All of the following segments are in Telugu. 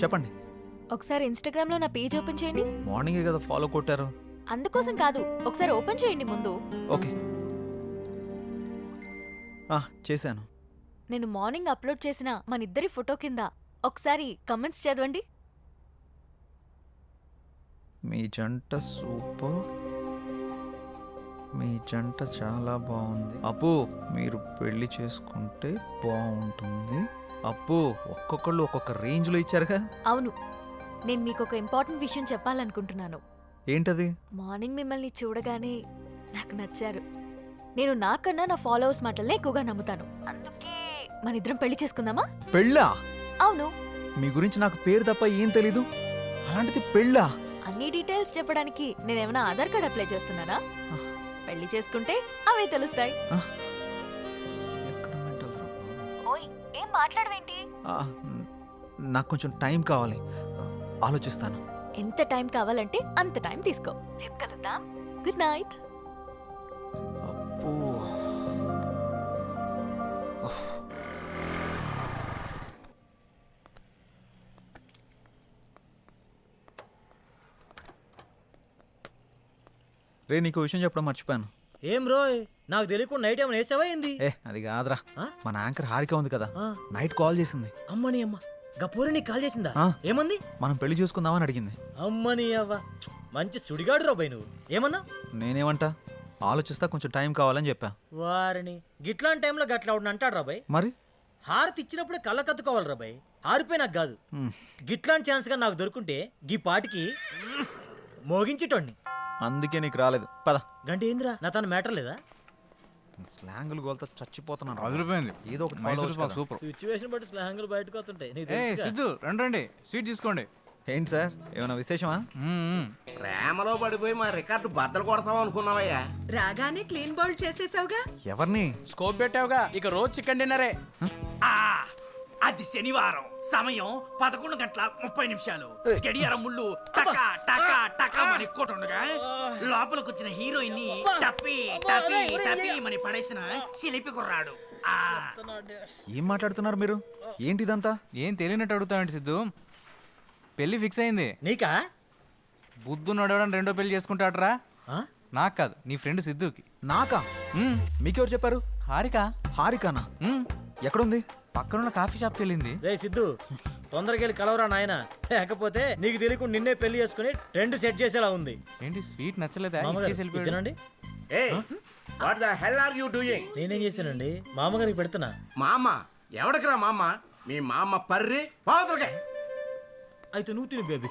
చెప్పండి. ఒకసారి ఇన్‌స్టాగ్రామ్ లో నా పేజ్ ఓపెన్ చేయండి. మార్నింగే కదా ఫాలో కొట్టారు. అందుకోసం కాదు, ఒకసారి ఓపెన్ చేయండి ముందు. ఓకే. చేశాను. నేను మార్నింగ్ అప్లోడ్ చేసిన మన ఇద్దరి ఫోటో కింద ఒకసారి కమెంట్స్ చదవండి. మీ జంట సూపర్, మీ జంట చాలా బాగుంది. అప్పు మీరు పెళ్లి చేసుకుంటే బాగుంటుంది. అప్పు ఒక్కొక్కళ్ళు ఒక్కొక్క రేంజ్లో ఇచ్చారుగా. అవును, నేను మీకు ఒక ఇంపార్టెంట్ విషయం చెప్పాలనుకుంటున్నాను. ఏంటది? మార్నింగ్ మిమ్మల్ని చూడగానే నాకు నచ్చారు. నేను నాకన్నా నా ఫాలోవర్స్ మాటలనే ఎక్కువగా నమ్ముతాను. అందుకే మన ఇద్దరం పెళ్లి చేసుకుందామా? పెళ్ళా? అవును. మీ గురించి నాకు పేరు తప్ప ఏం తెలీదు, అలాంటిది పెళ్ళా? అన్ని డీటెయిల్స్ చెప్పడానికి నేనేమైనా ఆధార్ కార్డ్ అప్లై చేస్తున్నానా? పెళ్లి చేసుకుంటే అవే తెలుస్తాయి. ఓయ్, ఏం మాట్లాడవేంటి? నాకు కొంచెం టైం కావాలి, ఆలోచిస్తాను. ఎంత టైం కావాలంటే అంత టైం తీసుకో. రేపు కలుద్దాం. Good night. అప్పు రే, నీకు విషయం చెప్పడం మర్చిపోయాను. ఏం రోయ్, నాకు తెలియకుండా నైట్ ఏమైనా వేసావా ఏంది? అది కాదురా, మన యాంకర్ హారిక ఉంది కదా, ఆ. నైట్ కాల్ చేసింది. అమ్మని అమ్మ, గపూరి నీకు కాల్ చేసిందా? ఆ. ఏమంది? మనం పెళ్లి చూసుకుందామని అడిగింది. అమ్మని అవ్వ, మంచి సుడిగాడు రాబాయ్ నువ్వు. ఏమన్నా? నేనేమంటా, ఆలోచిస్తా, కొంచెం టైం కావాలని చెప్పా. వారిని గిట్లాంటి టైంలో గట్లా అవును అంటాడు రాబాయ్. మరి హారతి ఇచ్చినప్పుడే కళ్ళ కత్తుకోవాలి రాబాయ్. హారిపోయి నాకు కాదు. గిట్లాంటి ఛాన్స్ గా నాకు దొరుకుంటే గీ పాటికి మోగించేటోడిని. అందుకే నీకు రాలేదు. పద. గంట ఏందిరా, నా తన మ్యాటర్ లేదా? స్లాంగులు గోల్తో చచ్చిపోతున్నాను. అదిరిపోయింది. ఏదో ఒకటి మైసూర్ పాక్ సూపర్. సిచ్యువేషన్ బట్టి స్లాంగులు బయటకు వస్తుంటాయి. నీకు ఏ తెలుసుగా. సిద్ధు, రండి స్వీట్ తీసుకోండి. ఏంటి సార్, ఏమైనా విశేషమా? ప్రేమలో పడిపోయి మా రికార్డు బద్దలు కొడతాం అనుకున్నావయ్యా. రాగానే క్లీన్ బౌల్ చేసేసావుగా. ఎవరిని? స్కోప్ పెట్టావుగా, ఇక రోజు చికెన్ డిన్నరే. అది శనివారం, సమయం 11:30 గడియారం ముళ్ళు టకా టకా టకా మని కొట్టుండగా లోపలికి వచ్చిన హీరోయిన్ ని టప్పి టప్పి టప్పి మని పడేసిన చిలిపి కుర్రాడు. ఏం మాట్లాడుతున్నారు మీరు? ఏంటి ఇదంతా? ఏం తెలియనట్టు అడుగుతావండి సిద్ధు. పెళ్లి ఫిక్స్ అయింది. నీకా? బుద్ధు నడవడం రెండో పెళ్లి చేసుకుంటాడరా. ఆ? నాకు కాదు, నీ ఫ్రెండ్ సిద్ధుకి. నాకా? మీకెవరు చెప్పారు? హారిక. హారికానా? ఎక్కడుంది? పక్కనున్న కాఫీ షాప్కి వెళ్ళింది. రే సిద్ధు, తొందరగా వెళ్ళి కలవరా నాయన, లేకపోతే నీకు తెలియకుండా నిన్నే పెళ్లి చేసుకుని ట్రెండ్ సెట్ చేసేలా ఉంది. ఏంటి స్వీట్ నచ్చలేదా? మామగారు, ఇచ్చేసి వెళ్ళిపోయాడు. తినండి. What the hell are you doing? నేనేం చేశానండి? మామగారికి పెడుతున్నా. మా అమ్మ ఎవడికిరా మా అమ్మ? మీ మా అమ్మ పర్రి పావుతలకే. అయితే నువ్వు తిను బేబీ.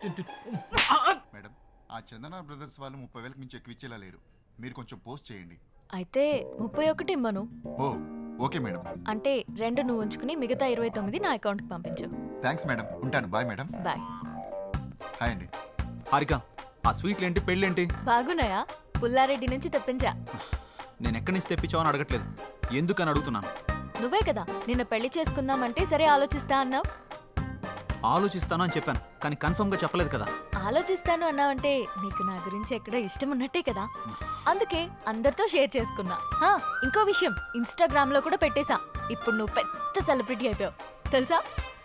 మేడం, ఆ చందన బ్రదర్స్ వాళ్ళు 30,000 మించి ఎక్కువ ఇచ్చేలా లేరు. మీరు కొంచెం పోస్ట్ చేయండి. అయితే 31 ఇమ్మను. ఓ ఓకే మేడం. అంటే 2 నువ్వు ఉంచుకుని మిగతా 29 నా అకౌంట్కి పంపించు. థ్యాంక్స్ మేడం, ఉంటాను. Bye madam. బాయ్. హాయ్ అండి. హారిక, ఆ స్వీట్లేంటి, పెళ్ళేంటి? బాగున్నాయా? పుల్లారెడ్డి నుంచి తెప్పించా. నేను ఎక్కడి నుంచి తెప్పించావు అని అడగట్లేదు, ఎందుకని అడుగుతున్నాను. నువ్వే కదా నిన్న పెళ్లి చేసుకుందామంటే సరే ఆలోచిస్తా అన్నావు. ఆలోచిస్తాను అని చెప్పాను, కానీ కన్ఫర్మ్ గా చెప్పలేదు కదా. ఆలోచిస్తాను అన్నావంటే నీకు నా గురించి ఎక్కడో ఇష్టం ఉన్నట్టే కదా, అందుకే అందరితో షేర్ చేసుకున్నా. ఇంకో విషయం, ఇన్స్టాగ్రామ్ లో కూడా పెట్టేశా. ఇప్పుడు నువ్వు పెద్ద సెలబ్రిటీ అయిపోయావు తెలుసా.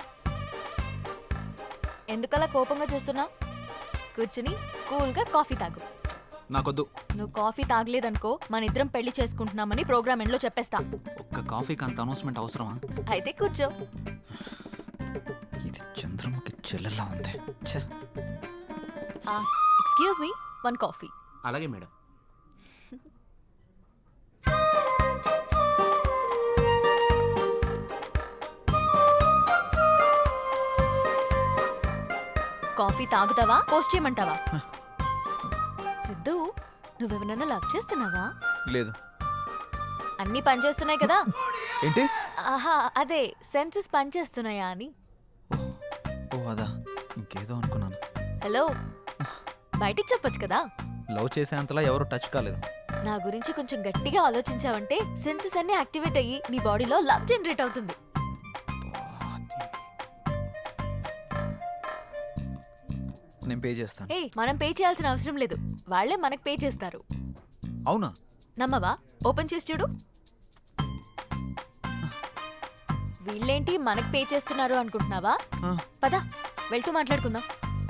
ఎందుకలా కోపంగా చూస్తున్నావు? కూర్చుని కూల్గా కాఫీ తాగు. నాకొద్దు. నువ్వు కాఫీ తాగలేదనుకో మన ఇద్దరం పెళ్లి చేసుకుంటున్నామని ప్రోగ్రామ్ ఎండ్లో చెప్పేస్తా. ఒక్క కాఫీకి అంత అనౌన్స్మెంట్ అవసరమా? అయితే కూర్చో. ఇది చంద్రముఖి చెల్లెలా ఉంది. ఎక్స్క్యూజ్ మీ, 1 కాఫీ. అలాగే మేడం. కాఫీ తాగుతావా, పోస్ట్ చేయమంటావా? సిద్ధు, నువ్వెవరన్నా లవ్ చేస్తున్నావా? లేదు. అన్నీ పనిచేస్తున్నాయి కదా? ఏంటి? ఆహా, అదే సెన్సెస్ పనిచేస్తున్నాయా అని. ఓ అదా, ఇంకేదో అనుకున్నాను. హలో, బయటికి చెప్పొచ్చు కదా. లవ్ చేసేంతలా ఎవరు టచ్ కాలేదు. నా గురించి కొంచెం గట్టిగా ఆలోచించావంటే సెన్సెస్ అన్ని యాక్టివేట్ అయ్యి నీ బాడీలో లవ్ జనరేట్ అవుతుంది. నేను పే చేస్తాను. మనం పే చేయాల్సిన అవసరం లేదు, వాళ్ళే మనకు పే చేస్తారు. అవునా? నమ్మవా? ఓపెన్ చేసి చూడు. వీళ్ళేంటి మనకు పే చేస్తున్నారు అనుకుంటున్నావా? పద. వెళ్తూ మాట్లాడుకుందాం.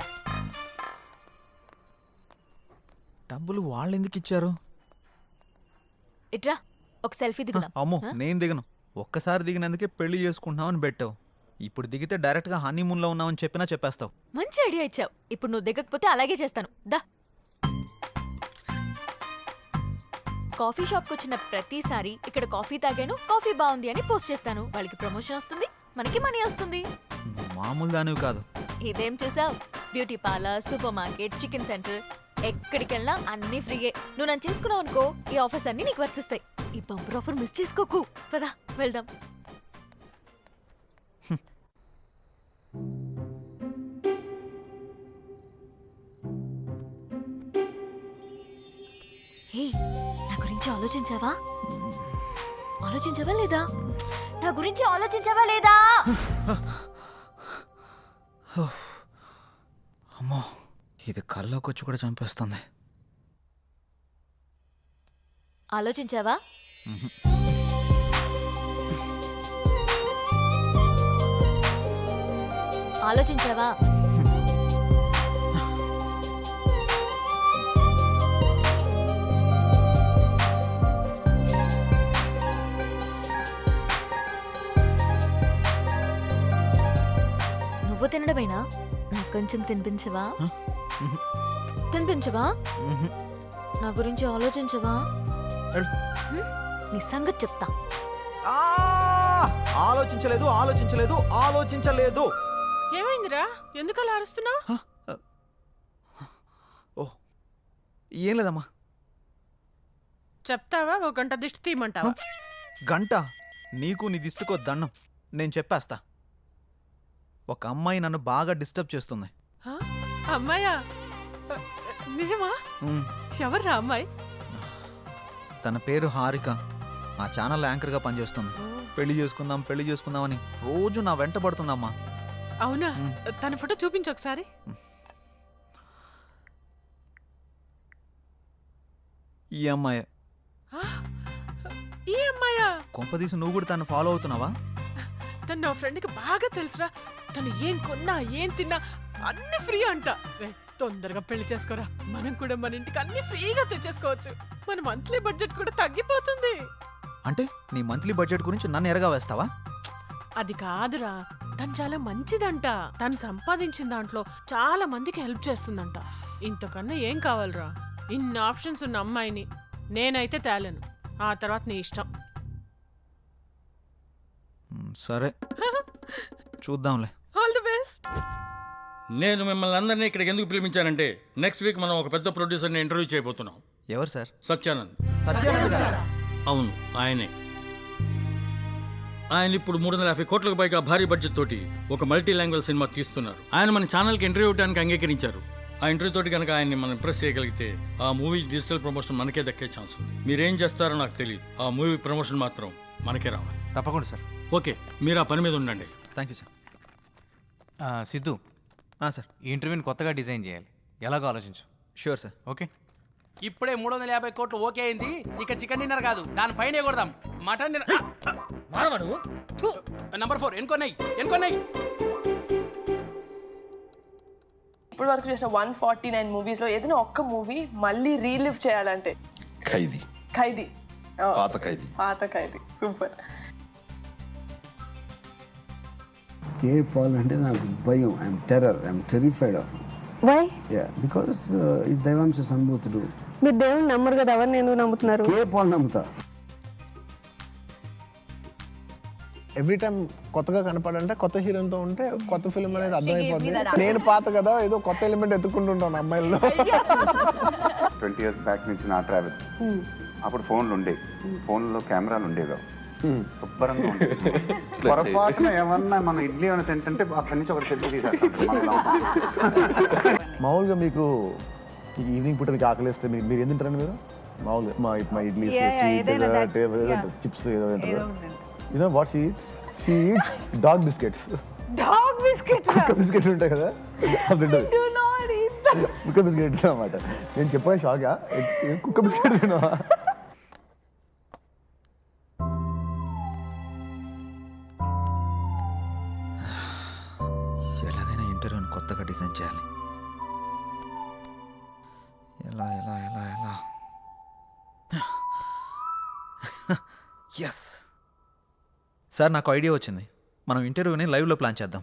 డబ్బులు వాళ్ళు ఎందుకు ఇచ్చారు? ఇట్రా ఒక సెల్ఫీ దిగుదాం. అమ్మో ఆ? నేను దిగను. ఒక్కసారి దిగినందుకే పెళ్లి చేసుకుంటున్నామని పెట్టావు. ఇప్పుడు దిగితే డైరెక్ట్గా హనీమూన్లో ఉన్నామని చెప్పినా చెప్పేస్తావు. మంచి ఐడియా ఇచ్చావు. ఇప్పుడు నువ్వు దిగకపోతే అలాగే చేస్తాను. దా. కాఫీ షాప్కి వచ్చిన ప్రతిసారి ఇక్కడ కాఫీ తాగాను, కాఫీ బాగుంది అని పోస్ట్ చేస్తాను. వాళ్ళకి ప్రమోషన్ వస్తుంది, మనకి మనీ వస్తుంది. నువ్వు మామూలు దానివి కాదు. ఇదేం చూసావు? Beauty parlour, super market, chicken centre, ఎక్కడికి వెళ్ళినా అన్ని ఫ్రీయే. నువ్వు నన్ను చేసుకున్నావు అనుకో, ఈ ఆఫర్స్ అన్ని నీకు వర్తిస్తాయి. ఈ బంపర్ ఆఫర్ మిస్ చేసుకోకు. పదా వెళ్దాం. హే, నా గురించి ఆలోచించావా? ఆలోచించావా లేదా? నా గురించి ఆలోచించావా లేదా? అమ్మో ఇది కల్లోకి వచ్చి కూడా చంపేస్తుంది. ఆలోచించావా? ఆలోచించావా? నువ్వు తినడమేనా? నాకు కొంచెం తినిపించవా? తినిపించవా? మ్హూ. నా గురించి ఆలోచించవా? వెళ్ళు. నీ సంగతి చెప్తా. ఆ! ఆలోచించలేదు ఆలోచించలేదు ఆలోచించలేదు. ఏమైందిరా ఎందుకు అలా అరుస్తున్నావు? ఓ ఏం లేదమ్మా. చెప్తావా ఓ గంట దిష్టి తీయమంటావా? గంట నీకు నీ దిష్టికో దండం. నేను చెప్పేస్తా. ఒక అమ్మాయి నన్ను బాగా డిస్టర్బ్ చేస్తుంది. హ? అమ్మాయా? నిజమా? ఉమ్, ఎవర్రా అమ్మాయి? తన పేరు హారిక. ఆ ఛానల్ యాంకర్గా పనిచేస్తుంది. పెళ్లి చేసుకుందాం అని రోజు నా వెంట పడుతుందమ్మా. అవునా? తన ఫోటో చూపించు ఒకసారి. ఈ అమ్మాయి ఆ? ఈ అమ్మాయా? కొంపదీసి నువ్వు కూడా తను ఫాలో అవుతున్నావా? తను నా ఫ్రెండ్కి బాగా తెలుసురా. తను ఏం కొన్నా ఏం తిన్నా అన్ని ఫ్రీ అంట. రే, తొందరగా పెళ్లి చేసుకోరా. మనం కూడా మన ఇంటికి అన్ని ఫ్రీగా తెచ్చేసుకోవచ్చు. మన మంత్లీ బడ్జెట్ కూడా తగ్గిపోతుంది. అంటే నీ మంత్లీ బడ్జెట్ గురించి నన్ను ఎరగా వేస్తావా? అది కాదురా, తను చాలా మంచిదంట. తను సంపాదించిన దాంట్లో చాలా మందికి హెల్ప్ చేస్తుందంట. ఇంతకన్నా ఏం కావాలరా? ఇన్ని ఆప్షన్స్ ఉన్న అమ్మాయిని నేనైతే తేలేను. ఆ తర్వాత నీ ఇష్టం. సరే చూద్దాంలే. All the best. నేను మిమ్మల్ని అందరినీ ఇక్కడికి ఎందుకు పిలిపించానంటే నెక్స్ట్ వీక్ మనం ఒక పెద్ద ప్రొడ్యూసర్ని ఇంటర్వ్యూ చేయబోతున్నాం. ఎవరు సార్? సత్యానంద్. సత్యానంద్ గారా? అవును, ఆయనే. ఆయన ఇప్పుడు 350 కోట్లకు పైగా భారీ బడ్జెట్ తోటి ఒక మల్టీ లాంగ్వేజ్ సినిమా తీస్తున్నారు. ఆయన మన ఛానల్కి ఇంటర్వ్యూ ఇవ్వడానికి అంగీకరించారు. ఆ ఇంటర్వ్యూ తోటి కనుక ఆయన్ని మనం ఇంప్రెస్ చేయగలిగితే ఆ మూవీ డిజిటల్ ప్రమోషన్ మనకే దక్కే ఛాన్స్ ఉంది. మీరేం చేస్తారో నాకు తెలియదు. ఆ మూవీ ప్రమోషన్ మాత్రం మనకే రావాలి. తప్పకుండా సార్. ఓకే, మీరు ఆ పని మీద ఉండండి. Thank you sir. Siddhu, sir ఈ ఇంటర్వ్యూని కొత్తగా డిజైన్ చేయాలి. ఎలాగో ఆలోచించు. Sure sir. ఓకే. ఇప్పుడే 350 కోట్లు ఓకే అయింది. ఇక చికెన్ డిన్నర్ కాదు, దానిపైనే కొడదాం. Mutton dinner. మారవా నువ్వు? థు. నంబర్ 4 ఎన్కొన్నాయి. ఇప్పుడు వరకు చేసిన 149 మూవీస్ లో ఏదైనా ఒక్క మూవీ మళ్ళీ రీలివ్ చేయాలంటే ఖైదీ. పాత ఖైదీ సూపర్. కే పాల్ అంటే నాకు భయం. I'm terrified of. Why? Yeah, because is దైవాంశ సంభూతుడు. మీరు దేవుని నమ్మరు కదా, ఎవరిని ఎందుకు నమ్ముతున్నారు? కే పాల్ నమ్ముతా. ఎవ్రీ టైం కొత్తగా కనపడంటే కొత్త హీరోతో ఉంటే కొత్త ఫిల్మ్ అనేది అర్థమైపోతుంది. నేను పాత కదా, ఏదో కొత్త ఎలిమెంట్ ఎత్తుకుంటుంటాను అమ్మాయిల్లో. 20 years బ్యాక్ నుంచి నా ట్రావెల్. అప్పుడు ఫోన్లో కెమెరాలు ఉండేవి. శుభ్రంగా ఉండేది. పొరపాటున ఏమన్నా మనం ఇడ్లీ ఏమైనా తింటుంటే అక్కడి నుంచి ఒకటి సెల్ఫీ తీసేస్తాం. మామూలుగా మీకు ఈవినింగ్ పూట మీకు ఆకలిస్తే మీరు ఏం తింటారండి? మీరు మామూలుగా మా ఇడ్లీ, చిప్స్ ఏదో తింటారు. You know what she eats? She eats dog biscuits. Dog biscuits. కుక్క బిస్కెట్లు ఉంటాయి కదా, అది తింటది. కుక్క బిస్కెట్ అన్నమాట. నేను చెప్పాను షాగా, కుక్క బిస్కెట్ తిన్నావా? ఎలాగైనా ఇంటర్వ్యూని కొత్తగా డిజైన్ చేయాలి. ఎలా ఎలా ఎలా ఎలా ఎస్ సార్, నాకు ఐడియా వచ్చింది. మనం ఇంటర్వ్యూని లైవ్లో ప్లాన్ చేద్దాం.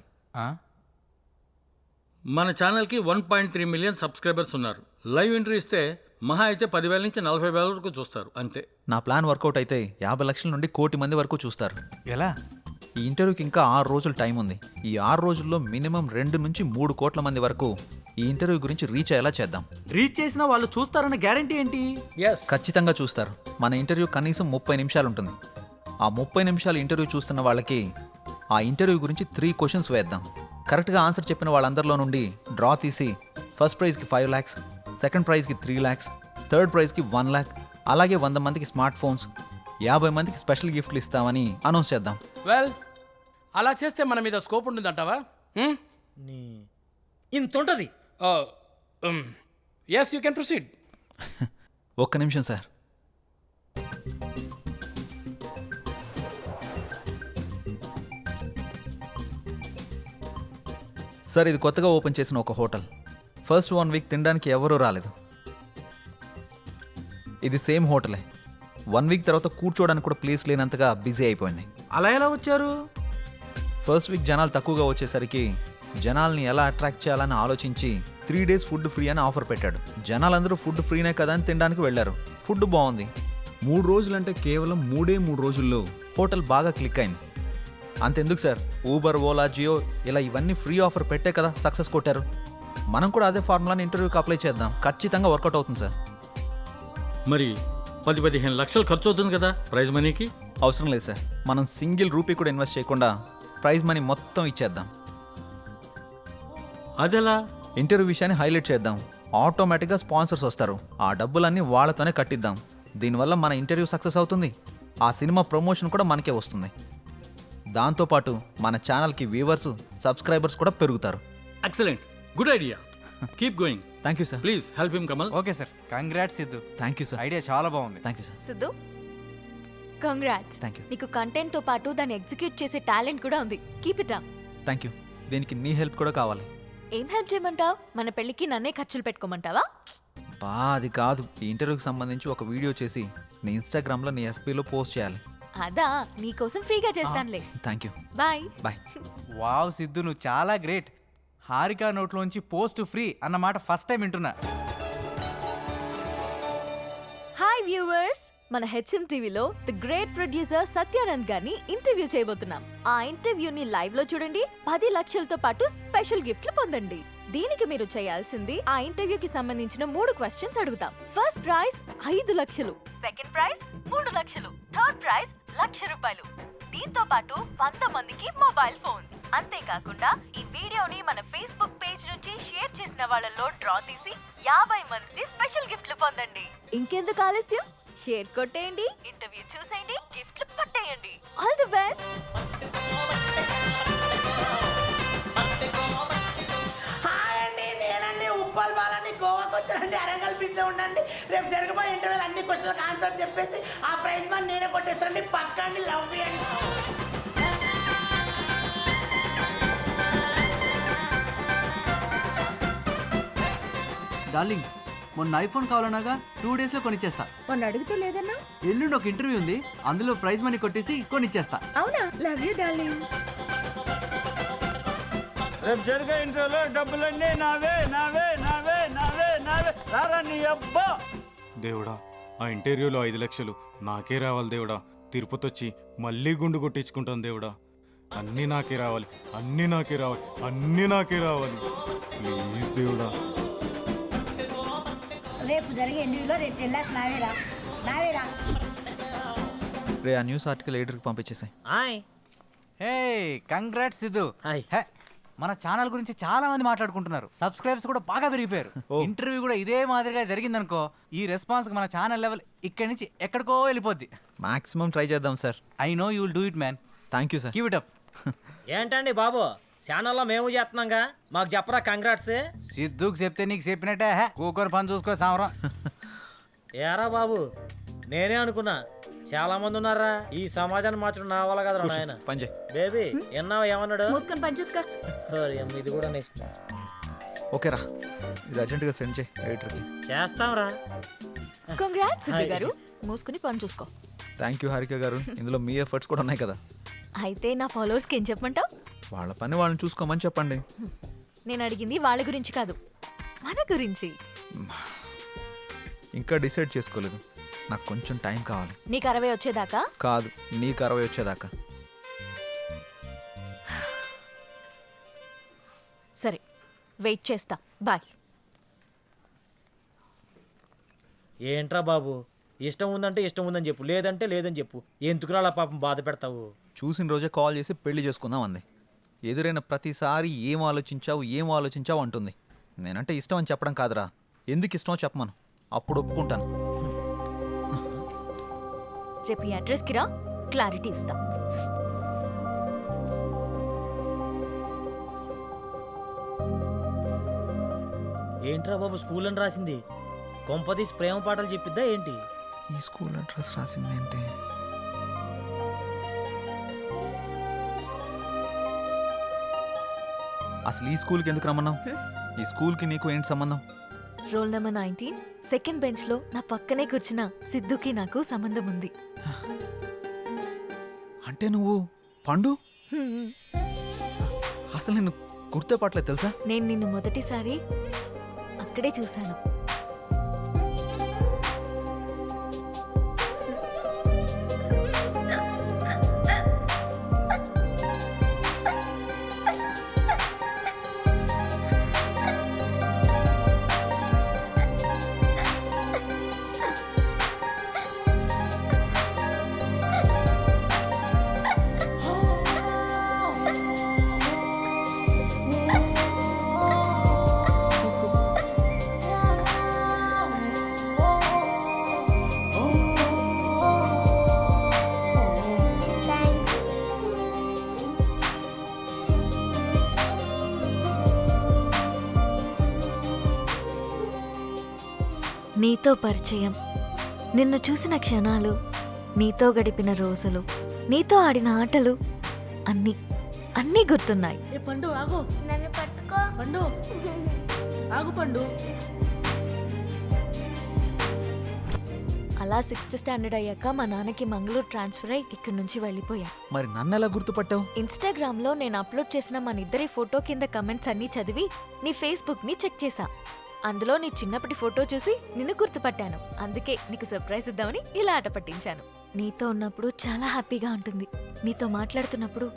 మన ఛానల్కి 1.3 మిలియన్ సబ్స్క్రైబర్స్ ఉన్నారు. లైవ్ ఎంట్రీ ఇస్తే మహా అయితే 10,000 నుంచి 40,000 వరకు చూస్తారు అంతే. నా ప్లాన్ వర్కౌట్ అయితే 50 లక్షల నుండి 1 కోటి మంది వరకు చూస్తారు. ఎలా? ఈ ఇంటర్వ్యూకి ఇంకా 6 రోజులు టైం ఉంది. ఈ 6 రోజుల్లో మినిమం 2 నుంచి 3 కోట్ల మంది వరకు ఈ ఇంటర్వ్యూ గురించి రీచ్ అయ్యేలా చేద్దాం. రీచ్ చేసిన వాళ్ళు చూస్తారన్న గ్యారంటీ ఏంటి? ఎస్, ఖచ్చితంగా చూస్తారు. మన ఇంటర్వ్యూ కనీసం 30 నిమిషాలు ఉంటుంది. ఆ 30 నిమిషాలు ఇంటర్వ్యూ చూస్తున్న వాళ్ళకి ఆ ఇంటర్వ్యూ గురించి 3 క్వశ్చన్స్ వేద్దాం. కరెక్ట్గా ఆన్సర్ చెప్పిన వాళ్ళందరిలో నుండి డ్రా తీసి ఫస్ట్ ప్రైజ్కి 5 lakhs, సెకండ్ ప్రైజ్కి 3 lakhs, థర్డ్ ప్రైజ్కి 1 lakh, అలాగే 100 మందికి స్మార్ట్ ఫోన్స్, 50 మందికి స్పెషల్ గిఫ్ట్లు ఇస్తామని అనౌన్స్ చేద్దాం. వెల్, అలా చేస్తే మన మీద స్కోప్ ఉంటుందంటావా? ఇంత ఉంటుంది. Yes, you can proceed. ఒక్క నిమిషం సార్. సార్, ఇది కొత్తగా ఓపెన్ చేసిన ఒక హోటల్. ఫస్ట్ 1 వీక్ తినడానికి ఎవరూ రాలేదు. ఇది సేమ్ హోటలే. 1 వీక్ తర్వాత కూర్చోవడానికి కూడా ప్లేస్ లేనంతగా బిజీ అయిపోయింది. అలా ఎలా వచ్చారు? ఫస్ట్ వీక్ జనాలు తక్కువగా వచ్చేసరికి జనాల్ని ఎలా అట్రాక్ట్ చేయాలని ఆలోచించి 3 days ఫుడ్ ఫ్రీ అని ఆఫర్ పెట్టాడు. జనాలందరూ ఫుడ్ ఫ్రీనే కదా అని తినడానికి వెళ్ళారు. ఫుడ్ బాగుంది. 3 రోజులంటే కేవలం 3 రోజుల్లో హోటల్ బాగా క్లిక్ అయింది. అంతెందుకు సార్, ఊబర్, ఓలా, జియో ఇలా ఇవన్నీ ఫ్రీ ఆఫర్ పెట్టే కదా సక్సెస్ కొట్టారు. మనం కూడా అదే ఫార్ములాని ఇంటర్వ్యూకి అప్లై చేద్దాం. ఖచ్చితంగా వర్కౌట్ అవుతుంది సార్. మరి 10-15 లక్షలు ఖర్చు అవుతుంది కదా ప్రైజ్ మనీకి? అవసరం లేదు సార్. మనం సింగిల్ రూపీ కూడా ఇన్వెస్ట్ చేయకుండా ప్రైజ్ మనీ మొత్తం ఇచ్చేద్దాం. అదెలా? ఇంటర్వ్యూ విషయాన్ని హైలైట్ చేద్దాం. ఆటోమేటిక్గా స్పాన్సర్స్ వస్తారు. ఆ డబ్బులన్నీ వాళ్ళతోనే కట్టిద్దాం. దీనివల్ల మన ఇంటర్వ్యూ సక్సెస్ అవుతుంది. ఆ సినిమా ప్రమోషన్ కూడా మనకే వస్తుంది. దాంతోపాటు మన ఛానల్కి వ్యూవర్స్, సబ్స్క్రైబర్స్ కూడా పెరుగుతారు. Excellent, good idea. Keep going. Thank you sir. Please help him Kamal. Okay sir, congrats Siddhu. Thank you sir. Idea చాలా బాగుంది. Thank you sir. Siddhu, congrats. Thank you. నీకు కంటెంట్ తో పాటు దాన్ని ఎగ్జిక్యూట్ చేసే టాలెంట్ కూడా ఉంది. Keep it up. Thank you. దీనికి నీ హెల్ప్ కూడా కావాలి. ఏం హెల్ప్ చేయమంటావు? మన పెళ్ళికి నన్నే ఖర్చులు పెట్టుకోమంటావా? అది కాదు. ఈ ఇంటర్వ్యూకి సంబంధించి ఒక వీడియో చేసి నీ ఇన్స్టాగ్రామ్లో, నీ ఎఫ్బీలో పోస్ట్ చేయాలి. అదా, నీకోసం ఫ్రీగా చేస్తానులే. Thank you. Bye. Bye. Wow Siddhu, నువ్వు చాలా గ్రేట్. హారిక నోట్లోంచి పోస్ట్ ఫ్రీ అన్నమాట ఫస్ట్ టైం వింటున్నా. హాయ్ వ్యూవర్స్, మన హెచ్ఎం టీవీలో ది గ్రేట్ ప్రొడ్యూసర్ సత్యానంద్ గారిని ఇంటర్వ్యూ చేయబోతున్నాం. ఆ ఇంటర్వ్యూని లైవ్ లో చూడండి. 10 లక్షలతో పాటు స్పెషల్ గిఫ్ట్లు పొందండి. దీనికి మీరు చేయాల్సింది, ఆ ఇంటర్వ్యూకి సంబంధించిన 3 క్వశ్చన్స్ అడుగుతాం. ఫస్ట్ ప్రైజ్ 5 లక్షలు, సెకండ్ ప్రైజ్ 3 లక్షలు, థర్డ్ ప్రైజ్ ₹1,00,000. దీంతో పాటు 100 మందికి మొబైల్ ఫోన్. అంతేకాకుండా ఈ వీడియోని మన ఫేస్బుక్ పేజ్ నుంచి షేర్ చేసిన వాళ్ళలో డ్రా తీసి 50 మంది స్పెషల్ గిఫ్ట్లు పొందండి. ఇంకెందుకు ఆలస్యం, షేర్ కొట్టేయండి, ఇంటర్వ్యూ చూసేయండి, గిఫ్ట్లు పట్టేయండి. All the best. ఉప్పల్ బాలని గోవాకి వచ్చానండి. అరంగల్ బీచ్ లో ఉండండి. రేపు జరగబోయే ఇంటర్వ్యూలు అన్ని క్వశ్చన్లకు ఆన్సర్ చెప్పేసి ఆ ప్రైజ్ మనీ నేనే కొట్టేస్తానండి. పక్కండి. లవ్ చేయండి. డార్లింగ్, మొన్న ఐఫోన్ కావాలన్నాగా 2 days లో కొనిచ్చేస్తా. మొన్న అడిగితే లేదన్నా? ఎల్లుండి ఒక ఇంటర్వ్యూ ఉంది, అందులో ప్రైజ్ మనీ కొట్టేసి కొనిచ్చేస్తా. అవునా? Love you darling. రేపు జరిగే ఇంటర్వ్యూలో డబ్బులన్నీ నావే నావే నావే నావే నావే. రారా నీ అబ్బా. దేవుడా, ఆ ఇంటర్వ్యూలో 5 లక్షలు నాకే రావాలి దేవుడా. తిరుపతి వచ్చి మళ్ళీ గుండు కొట్టించుకుంటాను దేవుడా. అన్నీ నాకే రావాలి, అన్నీ నాకే రావాలి, అన్నీ నాకే రావాలి. ప్లీజ్ దేవుడా. రేపు జరిగే ఇంటర్వ్యూలో 2 lakhs నావేరా నావేరా. రే, ఆ న్యూస్ ఆర్టికల్ ఎడిటర్కి పంపించేసాయి. Hey, congrats Siddhu. Hi. Hey, మన ఛానల్ గురించి చాలా మంది మాట్లాడుకుంటున్నారు. సబ్స్క్రైబర్స్ కూడా బాగా పెరిగిపోయారు. ఇంటర్వ్యూ కూడా ఇదే మాదిరిగా జరిగిందనుకో, ఈ రెస్పాన్స్ మన ఛానల్ లెవెల్ ఇక్కడి నుంచి ఎక్కడికో వెళ్ళిపోద్ది. మాక్సిమం ట్రై చేద్దాం sir. I know you will do it man. Thank you sir. Keep it up. ఏంటండి బాబు, ఛానల్లో మేము చేస్తున్నాంగా, మాకు చెప్పరా కంగ్రాట్స్. సిద్ధుకు చెప్తే నీకు చెప్పినట్టే. కూకొని పని చూసుకో సామరం. ఏరా బాబు, నేనే అనుకున్నా చాలా మంది ఉన్నారా ఈ సమాజాన్ని మార్చడం నా వల్ల కదా నాయన. పని చేయి. బేబీ ఎన్నావు ఏమన్నాడు? మూసుకొని పని చూసుకో. ఓరి అమ్మ, ఇది కూడా నెక్స్ట్ ఓకేరా, ఇది అర్జెంటుగా సెండ్ చేయి ఎడిటర్కి. చేస్తాంరా. కంగ్రాట్స్ సుధీర్ గారు. మూసుకుని పని చూసుకో. థ్యాంక్ యూ హారిక గారు, ఇందులో మీ ఎఫర్ట్స్ కూడా ఉన్నాయి కదా. అయితే నా ఫాలోవర్స్కి ఏం చెప్పమంటావు? వాళ్ళ పని వాళ్ళని చూసుకోమని చెప్పండి. నేను అడిగింది వాళ్ళ గురించి కాదు, మన గురించి. ఇంకా డిసైడ్ చేసుకోలేదు, నాకు కొంచెం టైం కావాలి. నీకు 60 వచ్చేదాకా? కాదు, నీకు 60 వచ్చేదాకా. సరే, వెయిట్ చేస్తా. బాయ్. ఏంట్రా బాబు, ఇష్టం ఉందంటే ఇష్టం ఉందని చెప్పు, లేదంటే లేదని చెప్పు. ఎందుకురా అలా పాపం బాధ పెడతావు? చూసిన రోజే కాల్ చేసి పెళ్లి చేసుకుందాం అంది. ఎదురైన ప్రతిసారి ఏం ఆలోచించావు అంటుంది. నేనంటే ఇష్టం అని చెప్పడం కాదురా, ఎందుకు ఇష్టమో చెప్పమను, అప్పుడు ఒప్పుకుంటాను. రేపు ఈ అడ్రస్కి రా, క్లారిటీ ఇస్తా. ఏంట్రా బాబు స్కూల్ అని రాసింది? కొంపదీసి ప్రేమ పాటలు చెప్పిద్దా ఏంటి? ఈ స్కూల్ అడ్రస్ రాసింది ఏంటి? అసలు ఈ స్కూల్కి ఎందుకు రమ్మన్నావు? ఈ స్కూల్కి నీకు ఏంటి సంబంధం? రోల్ నెంబర్ 19 సెకండ్ బెంచ్ లో నా పక్కనే కూర్చున్న సిద్ధుకి నాకు సంబంధం ఉంది. అంటే నువ్వు పండు? అసలు నేను గుర్తుపట్టలేదు తెలుసా? నేను నిన్ను మొదటిసారి అక్కడే చూశాను. నీతో పరిచయం, నిన్ను చూసిన క్షణాలు, నీతో గడిపిన రోజులు, నీతో ఆడిన ఆటలు అన్నీ అన్నీ గుర్తున్నాయి. ఏ పండు ఆగు, నన్ను పట్టుకో. పండు ఆగు పండు. అలా 6th స్టాండర్డ్ అయ్యాక మా నాన్నకి మంగళూరు ట్రాన్స్ఫర్ అయ్యి ఇక్కడి నుంచి వెళ్ళిపోయా. మరి నన్ను ఎలా గుర్తుపట్టావు? ఇన్స్టాగ్రామ్ లో నేను అప్లోడ్ చేసిన మన ఇద్దరి ఫోటో కింద కమెంట్స్ అన్నీ చదివి నీ ఫేస్బుక్ ని చెక్ చేశా. అందులో నీ చిన్నప్పటి ఫోటో చూసి నిన్ను గుర్తుపట్టాను. అందుకే నీకు సర్ప్రైజ్ ఇద్దామని ఇలా ఆట పట్టించాను. నీతో ఉన్నప్పుడు చాలా హ్యాపీగా ఉంటుంది. నీతో మాట్లాడుతున్నప్పుడు